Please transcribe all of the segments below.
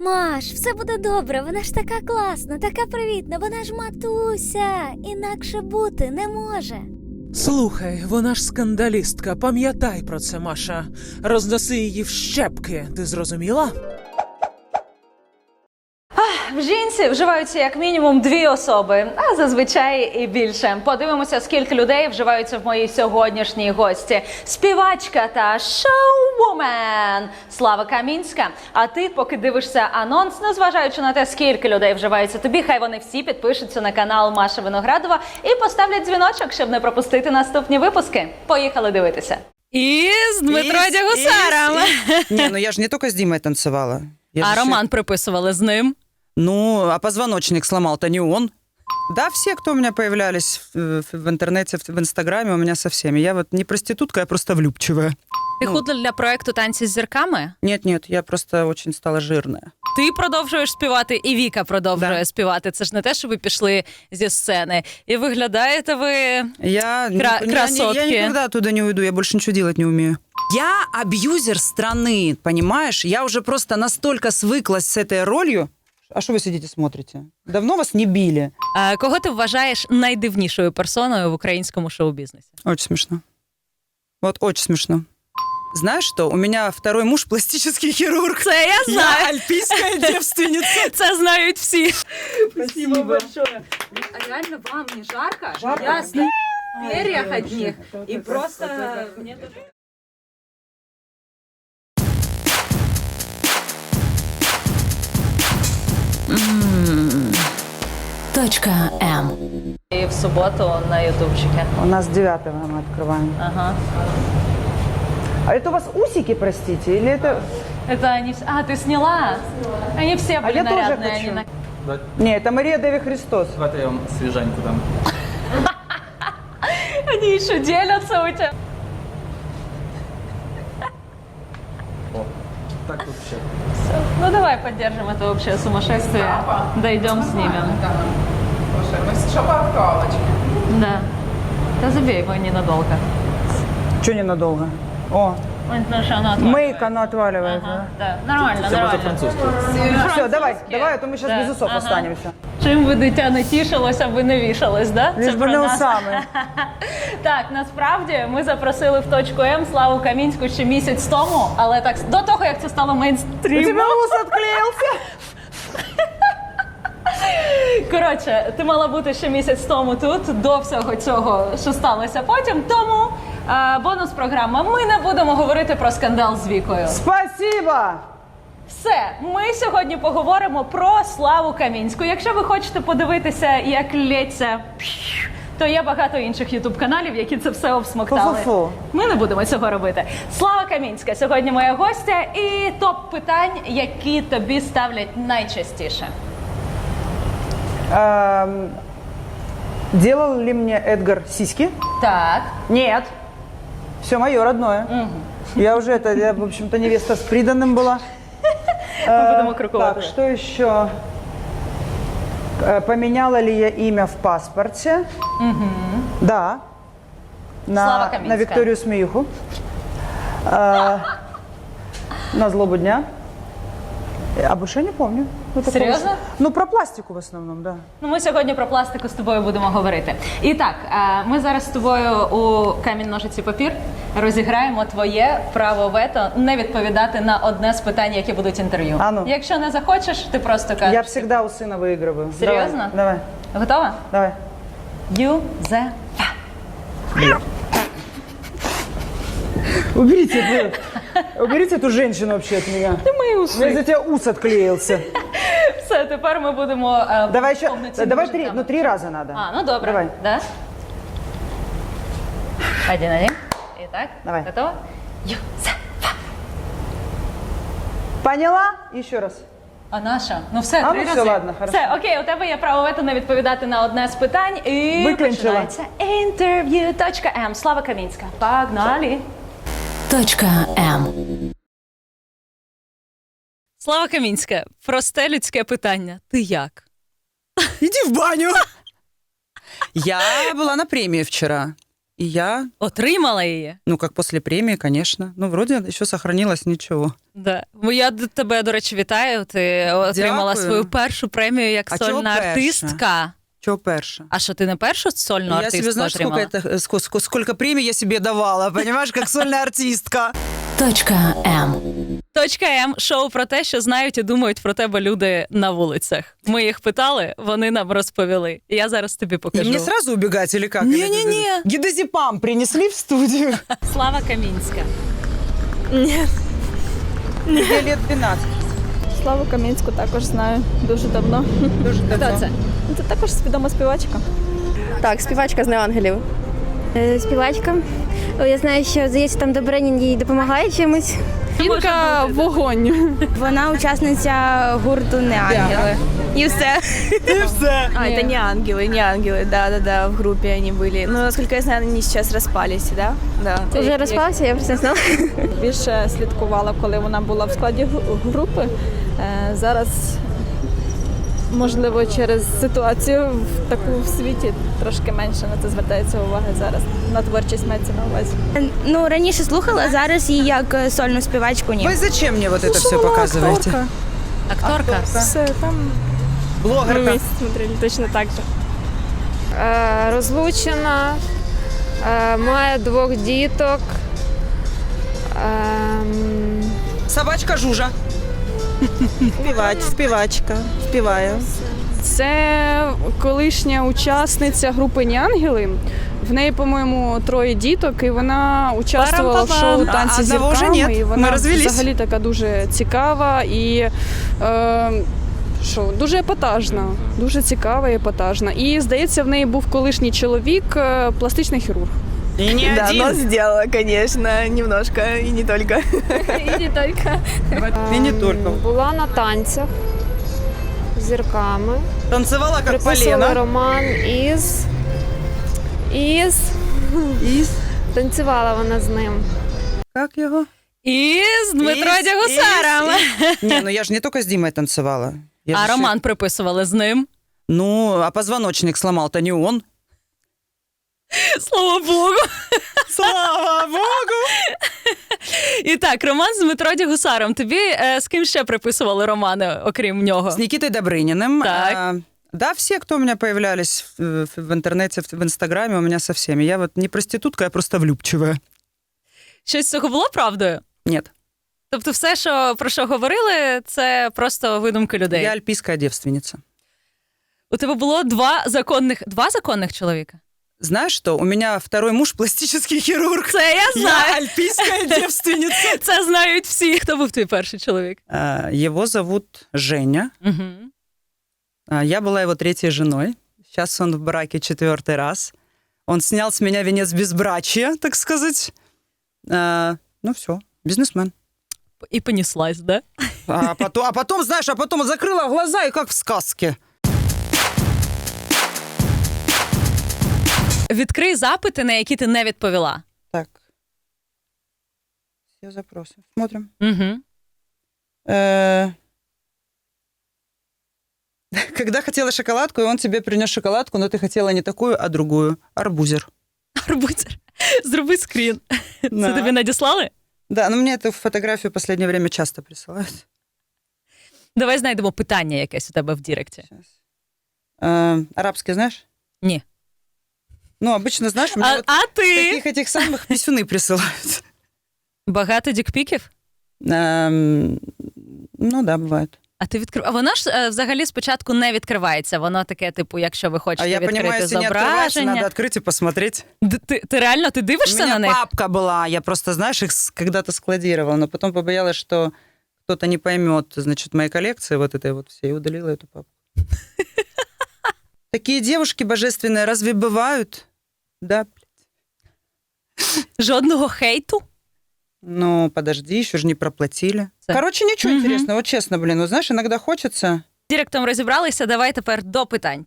Маш, все буде добре, вона ж така класна, така привітна, вона ж матуся, інакше бути не може. Слухай, вона ж скандалістка, пам'ятай про це, Маша. Розноси її в щепки, ти зрозуміла? В жінці вживаються як мінімум 2 особи, а зазвичай і більше. Подивимося, скільки людей вживаються в моїй сьогоднішній гості. Співачка та шоу-вумен Слава Камінська. А ти, поки дивишся анонс, незважаючи на те, скільки людей вживаються тобі, хай вони всі підпишуться на канал Маша Виноградова і поставлять дзвіночок, щоб не пропустити наступні випуски. Поїхали дивитися. І з Дмитро Дягусаром. Не, ну я же не только с Димой танцевала. А роман приписували з ним. Ну, а позвоночник сломал-то не он. Да, все, кто у меня появлялись в интернете, в Инстаграме, у меня со всеми. Я вот не проститутка, я просто влюбчивая. Ти худла для проекту «Танці з зірками»? Нет, я просто очень стала жирная. Ти продовжуєш співати, і Віка продовжує співати. Це ж не те, що ви пішли зі сцени. І виглядаєте ви красотки. Я никогда оттуда не уйду, я больше ничего делать не умею. Я абьюзер страны, понимаешь? Я уже просто настолько свыклась с этой ролью. А что вы сидите смотрите? Давно вас не били? Кого ти вважаєш найдивнішою персоною в українському шоу-бізнесі? Очень смешно. Вот очень смешно. Знаешь что? У меня второй муж пластический хирург. Це я знаю. Я альпийская девственница. Це знають всі. Спасибо большое. А реально вам не жарко? Я стою в перьях одних и просто... Точка М. И в субботу на ютубчике. У нас 9-го мы открываем. Ага. А это у вас усики, простите, или это... Это они все... А, ты сняла? Они все были я тоже нарядные. хочу. Они Не, это Мария Деви Христос. Давайте я вам свежаньку дам. Они еще делятся у тебя. Так тут ще. Ну давай поддержим это общее сумасшествие. Дойдем, снимем. Що по автовочці? Да. Да забей его ненадолго. Че ненадолго? О, Потому что оно отваливается. мейк, оно отваливается. Ага, да. Нормально, Це буде нормально. французький. Все, давай, а то мы сейчас Да, без усов ага. останемся. Чим би дитя не тішилося, аби не вішалось, да? Лиш би про не нас. усами. Так, насправді ми запросили в точку М Славу Камінську ще місяць тому, але так до того, як це стало У мейнстрімом. тебя ус отклеился? Коротше, ти мала бути ще місяць тому тут, до всього цього, що сталося потім. Тому бонус-програма. Ми не будемо говорити про скандал з Вікою. Спасибо! Все, ми сьогодні поговоримо про Славу Камінську. Якщо ви хочете подивитися, як лється, то є багато інших ютуб-каналів, які це все обсмоктали. Фу-фу-фу. Ми не будемо цього робити. Слава Камінська сьогодні моя гостя і топ питань, які тобі ставлять найчастіше. Делал ли мне Эдгар сиськи? Так. Нет. Все мое родное. Я уже я, в общем-то, невеста с приданным была. Ми будемо крокувати. Так, что еще? Поменяла ли я имя в паспорте? Да. Слава Камінська. На Викторию Смеюху. На злобу дня. А больше я не помню. Ну, такого Серьезно? ж- Ну, про пластику в основном, да. Ну, ми сьогодні про пластику з тобою будемо говорити. І так, ми зараз з тобою у камінь-ножиці-папір розіграємо твоє право вето не відповідати на одне з питань, які будуть інтерв'ю. А ну. Якщо не захочеш, ти просто кажеш. Я всегда у сына выигрываю. Серьезно? Давай. Готова? Давай. Юзефа. Уберите эту женщину вообще от меня. Ти мої У меня уси. из-за тебя ус отклеился. Все, тепер ми будемо Давай еще, повноцінно давай жити. 3, ну 3 раза надо. А, ну добре. Давай. Да? Один. Итак, Давай. готова? Юзефа. Поняла? Еще раз. А наша? Ну все, А, 3 ну рази. все, ладно, хорошо. Все, окей, у тебе є право вето не відповідати на одне з питань. І Виключила. починається інтерв'ю. Точка М. Слава Камінська. Погнали. Точка М. Слава Камінська, просте людське питання. Ти як? Иди в баню. Я была на премии вчера. И я, Отримала її. ну, как после премии, конечно. Ну, вроде еще сохранилось ничего. Да. Я тебе, до речі, вітаю. Ти отримала Дякую. свою першу премію як А чого сольна перша? артистка. Чего перша? А що ти не першу сольну Я артистку себе, знаешь, отримала? сколько премий я себе давала, понимаешь, как сольная артистка. Точка М. Точка М – шоу про те, що знають і думають про тебе люди на вулицях. Ми їх питали, вони нам розповіли. І я зараз тобі И покажу. мне сразу убегать или как? Не-не-не. Гидозепам принесли в студию. Слава Камінська. Тебе лет 12. Славу Камінську також знаю дуже давно. Дуже давно. Хто це? Це також відома співачка. Так, співачка з «Неангелів». Співачка. Я знаю, що, здається, там Добринін їй допомагає чимось. Жінка вогонь. Вона учасниця гурту «Неангели». І все. И все. А, это не ангелы, да, в группе они были. Ну, насколько я знаю, они сейчас распались, да? Да. Вже розпався, я просто знала. Більше слідкувала, коли вона була в складі групи. Зараз, можливо, через ситуацію в таку в світі трошки менше на це звертається уваги зараз. На творчість мається на увазі. Ну, раніше слухала, зараз її як сольну співачку ні. Вы зачем мне вот это все показываете? Акторка. Все, там Блогерка. смотрели точно так же. Розлучена, має 2 діток. Собачка Жужа. Співачка. Співаю. Це колишня учасниця групи «Неангели». В неї, по-моєму, 3 діток, і вона участвувала в шоу «Танці з Одного вже зірками». нет. І Ми вона розвелись. взагалі така дуже цікава і дуже епатажна, дуже цікава і епатажна. І, здається, в неї був колишній чоловік, пластичний хірург. И не Да, один. но сделала, конечно, немножко, и не только. І не тільки. И не только. Була на танцях з зірками. Танцевала как Приписували полено. роман із... Танцювала вона з ним. Как его? І з Дмитро Ис- Дягусаром. Не, ну я же не только с Димой танцевала. Я А же роман приписували з ним. Ну, а позвоночник сломал-то не он. Слава Богу. Слава Богу! І так, роман з Дмитро Дягусаром. Тобі з ким ще приписували романи, окрім нього? С Никитой Добрыниным. Так. Да, все, кто у меня появлялись в интернете, в Инстаграме, у меня со всеми. Я вот не проститутка, я просто влюбчивая. Щось з цього було правдою? Нет, Тобто все, про що говорили, це просто видумки людей? я альпийская девственница. У тебе було два законних чоловіка? Знаешь что? У меня второй муж пластический хирург. Це я знаю. Я альпийская девственница. Це знають всі. Хто був твій перший чоловік? Его зовут Женя. Угу. Я была его 3-й женой. Сейчас он в браке 4-й раз. Он снял с меня венец безбрачия, так сказать. Ну все, бизнесмен. І понеслась, да? А потом, знаешь, закрыла глаза и как в сказке. Відкрий запити, на які ти не відповіла. Так. Все запросы. Смотрим. Угу. Когда хотела шоколадку, и он тебе принес шоколадку, но ты хотела не такую, а другую. Арбузер. Арбузер. Зроби скрін. Це Да. тобі надіслали? Да, но мне эту фотографию в последнее время часто присылают. Давай знайдемо питання якесь у тебе в Діректі. Сейчас. Арабский знаешь? Ні. Ну, обычно, знаешь, мне вот А ти? таких этих самых писюны присылают. Багато дікпіків? Ну да, бывает. А ти відкрив. А вона ж взагалі спочатку не відкривається. Воно таке, типу, якщо ви хочете А я відкрити понимаю, если не открывается, зображення. надо открыть и посмотреть. Ти реально У дивишся меня на них? папка была, я просто, знаешь, их когда-то складировала, но потом побоялась, что кто-то не поймет, значит, моей коллекции вот этой вот всей, и удалила эту папку. Такие девушки божественные разве бывают? Да. Жодного хейту? Ну, подожди, еще же не проплатили. Так. Короче, ничего Мгм. интересного, вот честно, блин, вот знаешь, иногда хочется... З Діректом розібралися, давай тепер до питань.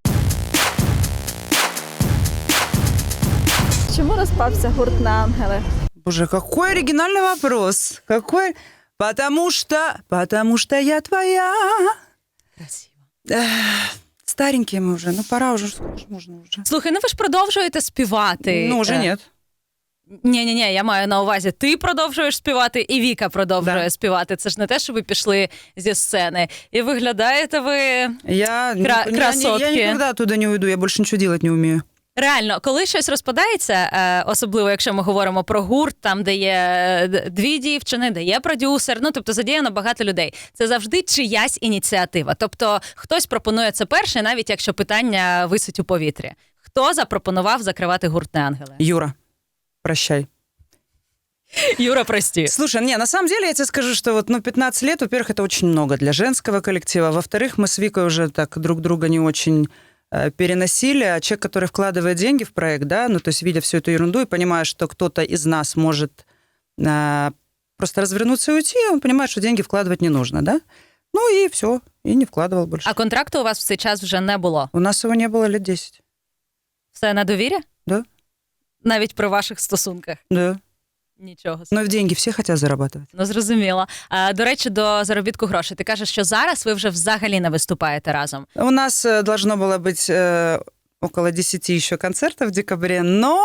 Чому розпався гурт «Неангели»? Боже, какой оригинальный вопрос. Какой... Потому что я твоя. Красиво. Старенькие мы уже, ну пора уже, сколько ж можно уже. Слухай, ну ви ж продовжуєте співати. Ну, уже нет. Ні, я маю на увазі, ти продовжуєш співати, і Віка продовжує співати. Це ж не те, що ви пішли зі сцени. І виглядаєте ви красотки. Я никогда оттуда не уйду, я больше ничего делать не умею. Реально, коли щось розпадається, особливо якщо ми говоримо про гурт, там, де є дві дівчини, де є продюсер, ну, тобто задіяно багато людей, це завжди чиясь ініціатива. Тобто хтось пропонує це перший, навіть якщо питання висить у повітрі. Хто запропонував закривати гурт «Неангели»? Юра, прощай. Юра, прости. Слушай, на самом деле я тебе скажу, что 15 лет, во-первых, это очень много для женского коллектива. Во-вторых, мы с Викой уже так друг друга не очень переносили. А человек, который вкладывает деньги в проект, да, то есть видя всю эту ерунду и понимая, что кто-то из нас может просто развернуться и уйти, он понимает, что деньги вкладывать не нужно, да? Ну и все, и не вкладывал больше. А контракту у вас в цей час вже не було? У нас его не было лет 10. Все на довір'я? Да. Навіть при ваших стосунках? Да. Нічого. Но в деньги всі хочуть зарабатывать. Ну, зрозуміло. До речі, до заробітку грошей. Ти кажеш, що зараз ви вже взагалі не виступаєте разом. У нас должно было быть около 10 еще концертов в декабре, но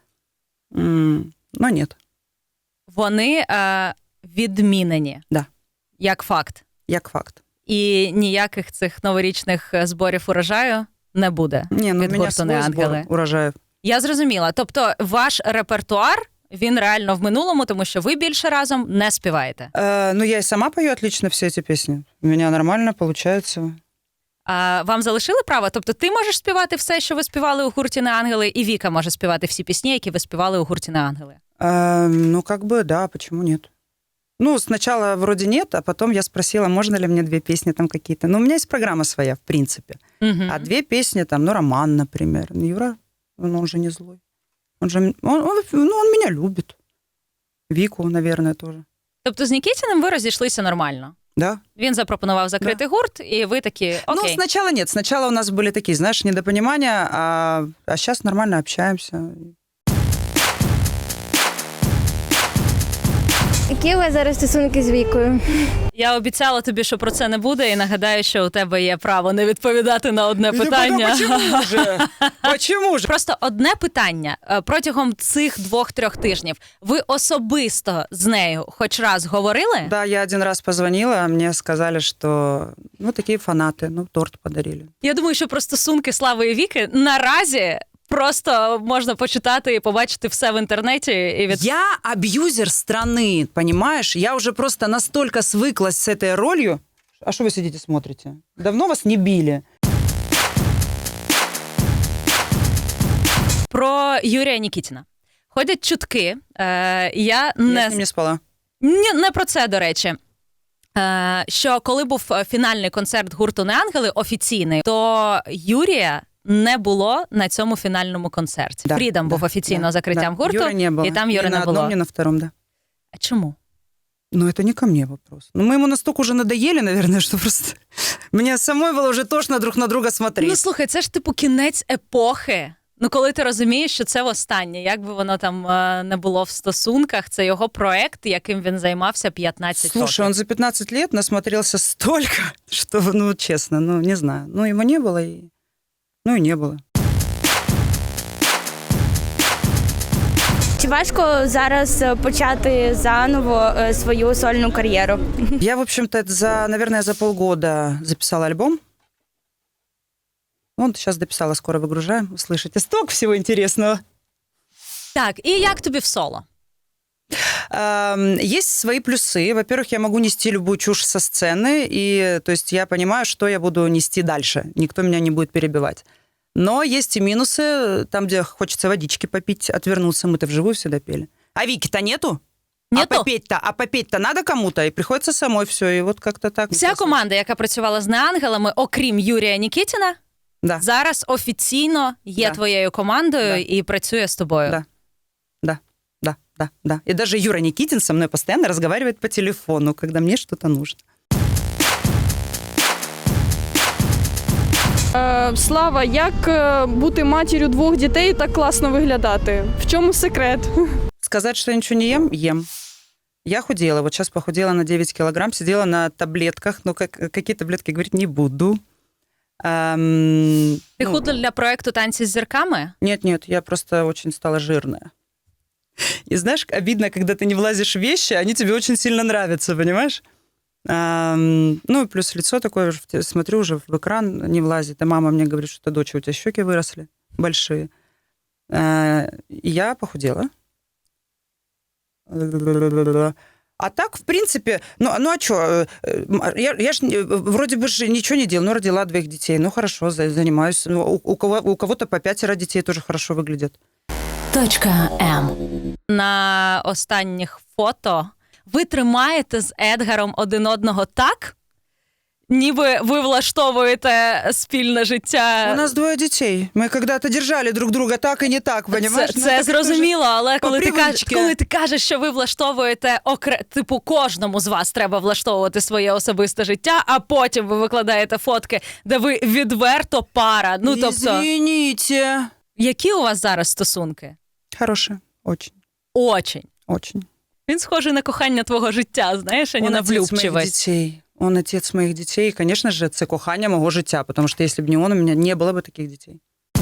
нет. Вони відмінені. Да. Як факт. Як факт. І ніяких цих новорічних зборів урожаю не буде. Ні, від у мене гурту свій «Неангели». збор урожаю. Я зрозуміла. Тобто ваш репертуар, він реально в минулому, тому що ви більше разом не співаєте. Я и сама пою отлично все эти песни. У меня нормально получается. Вам залишили право? Тобто ти можеш співати все, що ви співали у гурті «Неангели», і Віка може співати всі пісні, які ви співали у гурті «Неангели»? Да, почему нет? Сначала вроде нет, а потом я спросила, можно ли мне 2 песни там какие-то. У меня есть программа своя, в принципе. Угу. А 2 песни там, роман, например. Юра, он же не злой. Он меня любит. Вику, наверное, тоже. Тобто з Нікітіним ви розійшлися нормально? Да. Він запропонував закрити гурт, і ви такі, окей. Сначала нет. Сначала у нас были такие, знаешь, недопонимания, а сейчас нормально общаемся. Які у вас зараз стосунки з Вікою? Я обіцяла тобі, що про це не буде, і нагадаю, що у тебе є право не відповідати на одне питання. Чому ж? Просто одне питання. Протягом цих 2-3 тижнів ви особисто з нею хоч раз говорили? Да, я 1 раз позвонила, а мне сказали, что такі фанати, торт подарили. Я думаю, що про стосунки Слави і Віки наразі просто можна почитати і побачити все в інтернеті. Я абьюзер страны, понимаешь? Я уже просто настолько свыклась с этой ролью. А что вы сидите смотрите? Давно вас не били? Про Юрія Нікітіна. Ходять чутки. Я з ним не спала. Не про це, до речі. Що коли був фінальний концерт гурту «Неангели» офіційний, то Юрія не було на цьому фінальному концерті. Да, Фрідом був офіційно закриттям гурту, Юри не было. і там Юри не було. Ни на одном, ни на втором, да. А чому? Это не ко мне вопрос. Мы ему настолько уже надоели, наверное, что просто... Мне самой было уже тошно друг на друга смотреть. Слухай, це ж кінець епохи. Коли ти розумієш, що це востаннє, як би воно там не було в стосунках, це його проект, яким він займався 15 років. Слушай, он за 15 лет насмотрелся столько, что, честно, не знаю. Его не было, и не было. Чи важко зараз почати заново свою сольну кар'єру? Я, в общем-то, наверное, за полгода записала альбом. Сейчас дописала, скоро выгружаем. Услышите столько всего интересного. Так, і як тобі в соло? Есть свои плюсы. Во-первых, я могу нести любую чушь со сцены, и то есть я понимаю, что я буду нести дальше. Никто меня не будет перебивать. Но есть и минусы, там, где хочется водички попить, отвернуться. Мы-то вживую всегда пели. А Вики-то нету? Нету. А попеть-то надо кому-то, и приходится самой все, и как-то так. Вся команда, яка працювала з «Неангелами», окрім Юрія Нікітіна, да. зараз офіційно є твоєю командою і працює з тобою. Да. И даже Юра Никитин со мной постоянно разговаривает по телефону, когда мне что-то нужно. Слава, як бути матір'ю 2 дітей і так класно виглядати? В чому секрет? Сказать, что я ничего не ем? Ем. Я худела. Вот сейчас похудела на 9 килограмм, сидела на таблетках, но какие таблетки говорить не буду. Ти худла для проекту «Танці з зірками»? Нет, я просто очень стала жирная. И знаешь, обидно, когда ты не влазишь в вещи, они тебе очень сильно нравятся, понимаешь? Ну, и плюс лицо такое, смотрю уже в экран, не влазит. И мама мне говорит, что, доча, у тебя щеки выросли большие. И я похудела. А так, в принципе, ну а что? Я ж вроде бы же ничего не делала, но родила 2 детей. Ну, хорошо, занимаюсь. У кого-то по 5 детей тоже хорошо выглядят. Точка М. На останніх фото ви тримаєте з Едгаром один одного так, ніби ви влаштовуєте спільне життя. У нас 2 детей. Мы когда-то держали друг друга так и не так, понимаешь? Це зрозуміло, але коли привичці. ти кажеш, що ви влаштовуєте, типу кожному з вас треба влаштовувати своє особисте життя, а потім ви викладаєте фотки, де ви відверто пара. Ну, тобто, Извините. які у вас зараз стосунки? Хорошие. Очень. Очень. Очень. Він схожий на кохання твого життя, знаєш, а не Он на отец моих влюбчивість. детей. Он отец моих детей. И, конечно же, це кохання мого життя, потому что если бы не он, у меня не было бы таких детей.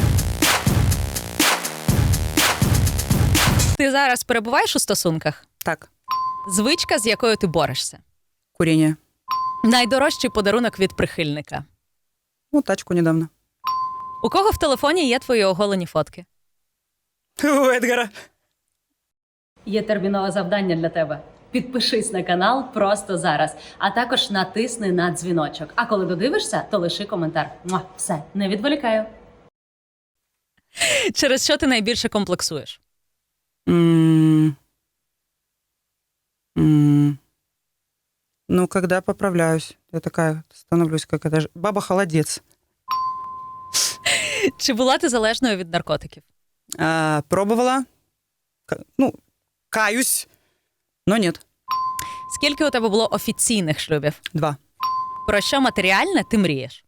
Ти зараз перебуваєш у стосунках? Так, Звичка, з якою ти борешся? курение. Найдорожчий подарунок від прихильника? Ну, тачку недавно. У кого в телефоні є твої оголені фотки? У Эдгара. Є термінове завдання для тебе. Підпишись на канал просто зараз, а також натисни на дзвіночок. А коли додивишся, то лиши коментар. Все, не відволікаю. Через що ти найбільше комплексуєш? Ну, когда поправляюсь, я такая становлюсь, как это же баба-холодец. Чи була ти залежною від наркотиків? Пробовала. Ну, каюсь, но нет. Скільки у тебе було офіційних шлюбів? 2. Про що матеріальне ти мрієш?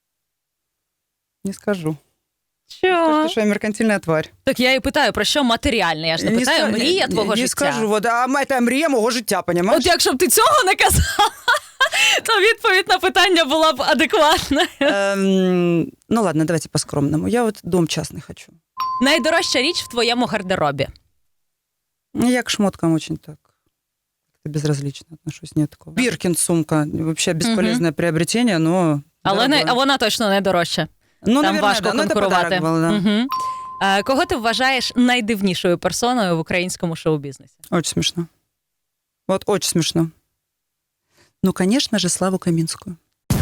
Не скажу. Що? Скажу, что я меркантильная тварь. Так я і питаю, про що матеріальне? Я ж не питаю, мрія твого не життя. скажу, вот, а это мрія мого життя, понимаешь? От якщо б ти цього не казала, то відповідь на питання була б адекватна. Ну ладно, давайте по-скромному. Я вот дом частный хочу. Найдорожча річ в твоєму гардеробі? Я к шмоткам очень так безразлично отношусь, нет такого. Биркин сумка, вообще бесполезное приобретение, но... Але вона точно не дорожча. Ну, там наверное, важко да. конкурувати. Ну, это подарок был, да. Угу. Кого ти вважаєш найдивнішою персоною в українському шоу-бізнесі? Очень смешно. Вот очень смешно. Ну, конечно же, Славу Каминскую.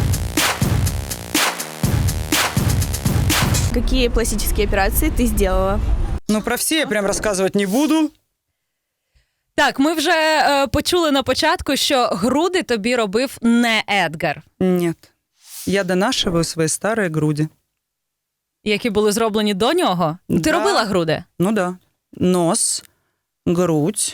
Какие пластические операции ты сделала? Ну, про все я прям рассказывать не буду. Так, ми вже почули на початку, що груди тобі робив не Едгар. Нет. Я донашиваю свои старые груди. Які були зроблені до нього? Ти Да. робила груди? Ну да. Нос, грудь.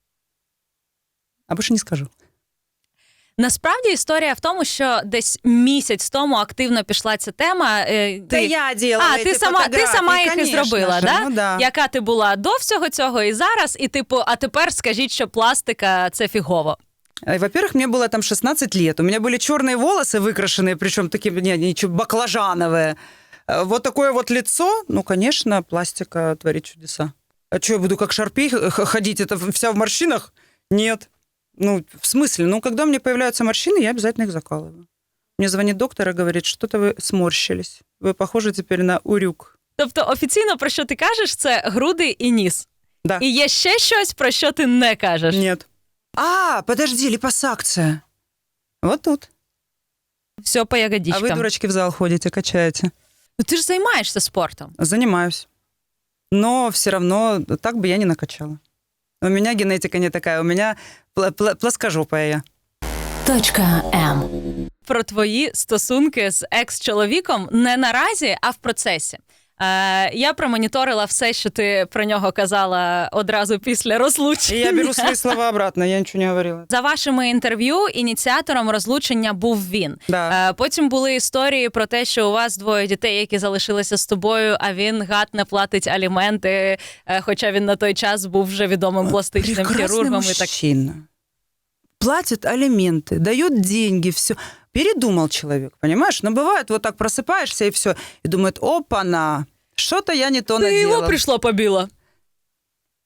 А больше не скажу. Насправді історія в тому, що десь місяць тому активно пішла ця тема. Да я делала ти сама їх і конечно зробила, же. да? Ну, да. Яка ти була до всього цього і зараз, і типу, а тепер скажіть, що пластика – це фігово. Во-первых, мне было там 16 лет. У меня были черные волосы выкрашенные, причем такие, ничего, баклажановые. Вот такое вот лицо. Ну, конечно, пластика творит чудеса. А что, я буду как Шарпей ходить? Это вся в морщинах? Нет. Ну, в смысле? Ну, когда у меня появляются морщины, я обязательно их закалываю. Мне звонит доктор и говорит, что-то вы сморщились. Вы похожи теперь на урюк. Тобто офіційно, про що ти кажеш, це груди і ніс. Да. І є ще щось, про що ти не кажеш. Нет. Подожди, липосакция. Вот тут. Все по ягодичкам. А вы, дурочки, в зал ходите, качаете. Ну ти ж займаєшся спортом. Занимаюсь. Но все равно так бы я не накачала. У меня генетика не такая, у меня плоскожопая я. Точка М. Про твої стосунки з екс-чоловіком не наразі, а в процесі. Я промоніторила все, що ти про нього казала одразу після розлучення. Я беру свої слова обратно, я нічого не говорила. За вашими інтерв'ю ініціатором розлучення був він. Да. Потім були історії про те, що у вас 2 дітей, які залишилися з тобою, а він, гад, не платить аліменти, хоча він на той час був вже відомим пластичним хірургом. Мужчина. Платит алименты, дает деньги, все. Передумал человек, понимаешь? Но бывает, вот так просыпаешься и все, и думает, опа-на, что-то я не то Ты наделал. его пришла побила.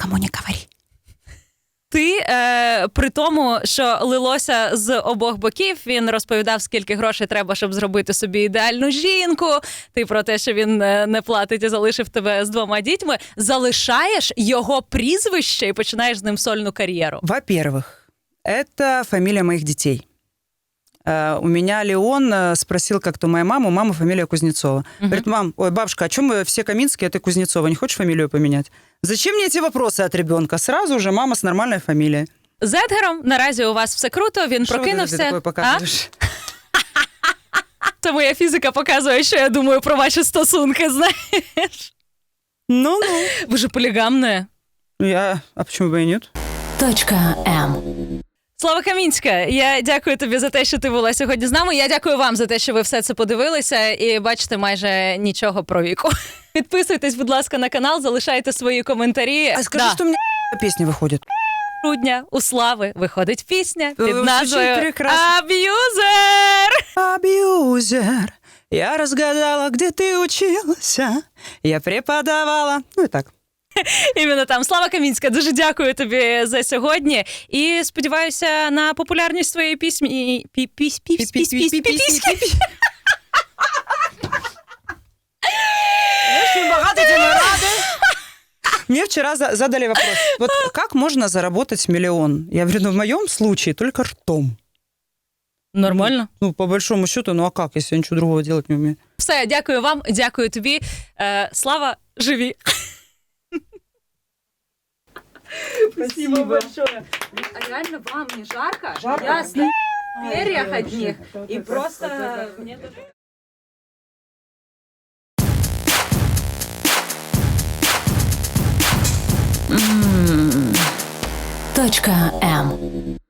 Никому не говори. Ти при тому, що лилося з обох боків, він розповідав, скільки грошей треба, щоб зробити собі ідеальну жінку. Ти про те, що він не платить і залишив тебе з 2 дітьми, залишаєш його прізвище і починаєш з ним сольну кар'єру. Во-первых, это фамилия моих детей. У меня Леон спросил как-то моя мама, у мамы фамилия Кузнецова. Говорит, мам, ой, бабушка, а чем мы все Каминские, а ты Кузнецова, не хочешь фамилию поменять? Зачем мне эти вопросы от ребенка? Сразу же мама с нормальной фамилией. З Едгаром наразі у вас все круто, він Что прокинувся. ты такое показываешь? Це моя фізика показує, що я думаю про ваші стосунки, знаєш. Ну-ну. Ви ж полігамне. А почему бы и нет? Точка М. Слава Камінська, я дякую тобі за те, що ти була сьогодні з нами. Я дякую вам за те, що ви все це подивилися і бачите майже нічого про віку. Підписуйтесь, будь ласка, на канал, залишайте свої коментарі. А скажи, что у меня песня выходит. Грудня у Слави виходить пісня під Звучить назвою прекрасно. «Аб'юзер». Абьюзер, я разгадала, где ты учился, я преподавала. Ну и так. Іменно там. Слава Камінська, дуже дякую тобі за сьогодні. І сподіваюся на популярність твоєї пісні. Очень богатый, тем и рады. Мне вчера задали вопрос, вот как можно заработать миллион? Я говорю, ну в моем случае только ртом. Нормально? Ну, по большому счету, ну а как, если я ничего другого делать не умею? Все, дякую вам, дякую тобі. Слава, живі. Спасибо большое. А реально вам не жарко? Жарко. Я стою в перьях одних и просто... Точка М.